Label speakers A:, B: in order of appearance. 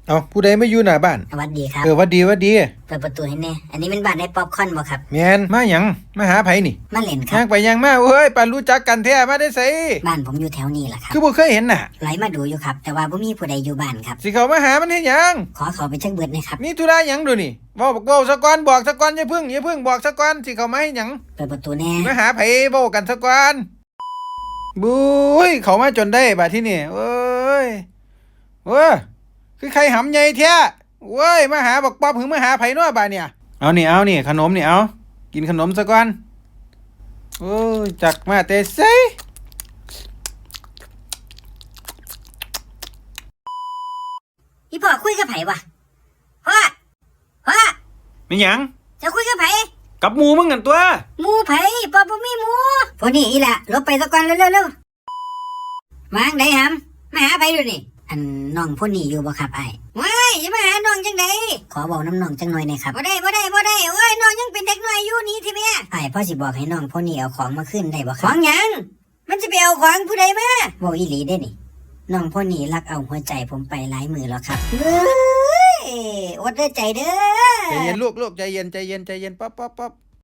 A: เอาผู้ใดไม่อยู่หน้าบ้าน
B: สวัสดีครับ
A: วัดดีวัดดี
B: เปิดประตูให้แน่อันนี้เป็นบ้านได้ป๊อปคอร์นบ่ครับ
A: แมนมาหยังมาหาไผนี่
B: มาเล่นครั
A: ย่างไปย่างมาเอ้ยปานรู้จักกันแท้มาได้ไส
B: บ้านผมอยู่แถวนี้แหละครับ
A: คือบ่เคยเห็นน่ะ
B: ไหลมาดูอยู่ครับแต่ว่าบ่มีผู้ใดอยู่บ้านครับ
A: สิเข้ามาหามันเฮ็ดหยัง
B: ขอเขาไปเช็คเบิดนะครับ
A: มีธุระหยังดูนี่เว้าซะก่อนบอกซะก่อนอย่าพึ่งบอกซะก่อนสิเข้ามาให้หยัง
B: เปิดประตูแน่
A: มาหาไผเว้ากันซะก่อนบุ้ยเข้ามาจนได้บัดที่นี่เอ้ยคือใครหำใหญ่แท้เว้ยมาหาบักป๊อบหึงมาหาไผเนาะบาดเนี่ยเอานี่ขนมนี่เอากินขนมซะก่อนโอ้ยจักมาแต่ไส
B: อีพ่อคุยกับไผวะพ่อ
A: มีหยัง
B: จะคุยกับไผ
A: กับหมู่มึงกันตัว
B: หมู่ไผพ่อบ่มีหมู่พวกนี้อีละลบไปซะก่อนเร็วๆมาไหนหำมาหาไผดูนี่อันน้องพวกนี้อยู่บ่ครับไอ้ว้ายอย่ามาหาน้องจังไดขอบอกน้ำน้องจังหน่อยหน่อยครับบ่ได้โอ้ยน้องยังเป็นเด็กน้อยอยู่นี่ทีแม่ไอ้พ่อสิบอกให้น้องพวกนี้เอาของมาขึ้นได้บ่ครับของหยังมันจะไปเอาของผู้ใดมาบอกอีหลีได้นี่น้องพวกนี้ลักเอาหัวใจผมไปหลายมือแล้วครับเฮ้ยอดเด้อใจเด้อ
A: ใจเย็นลูกใจเย็นป๊อบ